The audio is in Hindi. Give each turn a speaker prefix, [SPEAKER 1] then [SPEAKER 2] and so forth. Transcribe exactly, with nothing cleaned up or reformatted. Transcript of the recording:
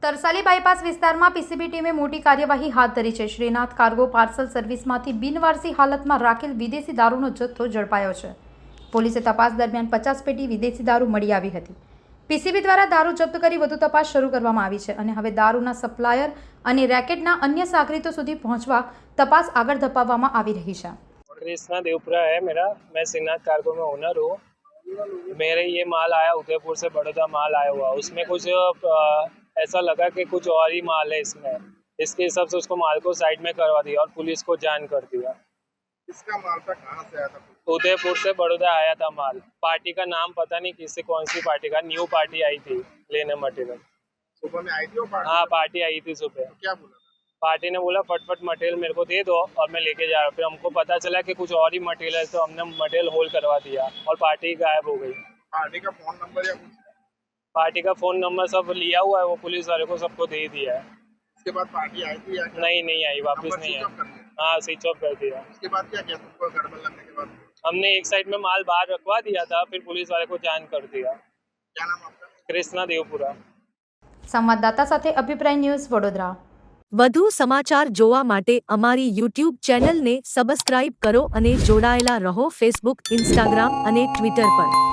[SPEAKER 1] તરસાલી બાયપાસ વિસ્તારમાં પીસીબી ટીમે મોટી કાર્યવાહી હાથ ધરી છે। શ્રીનાથ કાર્ગો પાર્સલ સર્વિસમાંથી બિનવારસી હાલતમાં રાખેલ વિદેશી દારૂનો જથ્થો ઝડપાયો છે। પોલીસે તપાસ દરમિયાન પચાસ પેટી વિદેશી દારૂ મળી આવી હતી। પીસીબી દ્વારા દારૂ જપ્ત કરી વધુ તપાસ શરૂ કરવામાં આવી છે અને હવે દારૂના સપ્લાયર અને રેકેટના અન્ય સાગરીતો સુધી પહોંચવા તપાસ આગળ ધપાવવામાં આવી રહી છે।
[SPEAKER 2] कृष्णा देवपुरा है मेरा, मैं श्रीनाथ कार्गो में ओनर हूँ। मेरे ये माल आया उदयपुर से बड़ौदा माल आया हुआ, उसमें कुछ आ, ऐसा लगा कि कुछ और ही माल है इसमें, इसके हिसाब से उसको माल को साइड में करवा दिया और पुलिस को जान कर दिया।
[SPEAKER 3] इसका माल था कहाँ से आया था?
[SPEAKER 2] उदयपुर से बड़ौदा आया था माल। पार्टी का नाम पता नहीं किससे, कौन सी पार्टी का, न्यू पार्टी आई थी लेने मटेरियल।
[SPEAKER 3] सुबह में आई थी वो पार्टी?
[SPEAKER 2] हाँ पार्टी आई थी सुबह।
[SPEAKER 3] तो क्या बोला था?
[SPEAKER 2] पार्टी ने बोला फटफट मटेरियल मेरे को दे दो और मैं लेके जा रहा हूँ। फिर हमको पता चला कि कुछ और ही मटेरियल है, तो हमने मटेरियल होल्ड करवा दिया और पार्टी गायब हो गई।
[SPEAKER 3] पार्टी का फोन नंबर या कुछ?
[SPEAKER 2] पार्टी का फोन नंबर सब लिया हुआ है, वो पुलिस वाले को सबको दे दिया है।
[SPEAKER 3] उसके बाद पार्टी आई थी या क्या?
[SPEAKER 2] नहीं नहीं आई, वापस
[SPEAKER 3] नंबर
[SPEAKER 2] नहीं
[SPEAKER 3] स्विच ऑफ कर
[SPEAKER 2] आई।
[SPEAKER 3] दिया?
[SPEAKER 2] हाँ स्विच ऑफ कर दिया।
[SPEAKER 3] उसके बाद क्या किया तुमको गड़बड़ लगने के बाद?
[SPEAKER 2] हमने एक साइड में माल बाहर रखवा दिया था, फिर पुलिस वाले को जान कर दिया।
[SPEAKER 3] क्या नाम आपका?
[SPEAKER 2] कृष्णा देवपुरा।
[SPEAKER 1] સંવાદદાતા સાથે અભિપ્રાય ન્યૂઝ વડોદરા।
[SPEAKER 4] વધુ સમાચાર જોવા માટે અમારી યુટ્યુબ ચેનલને સબસ્ક્રાઇબ કરો અને જોડાયેલા રહો ફેસબુક, ઇન્સ્ટાગ્રામ અને ટ્વિટર પર।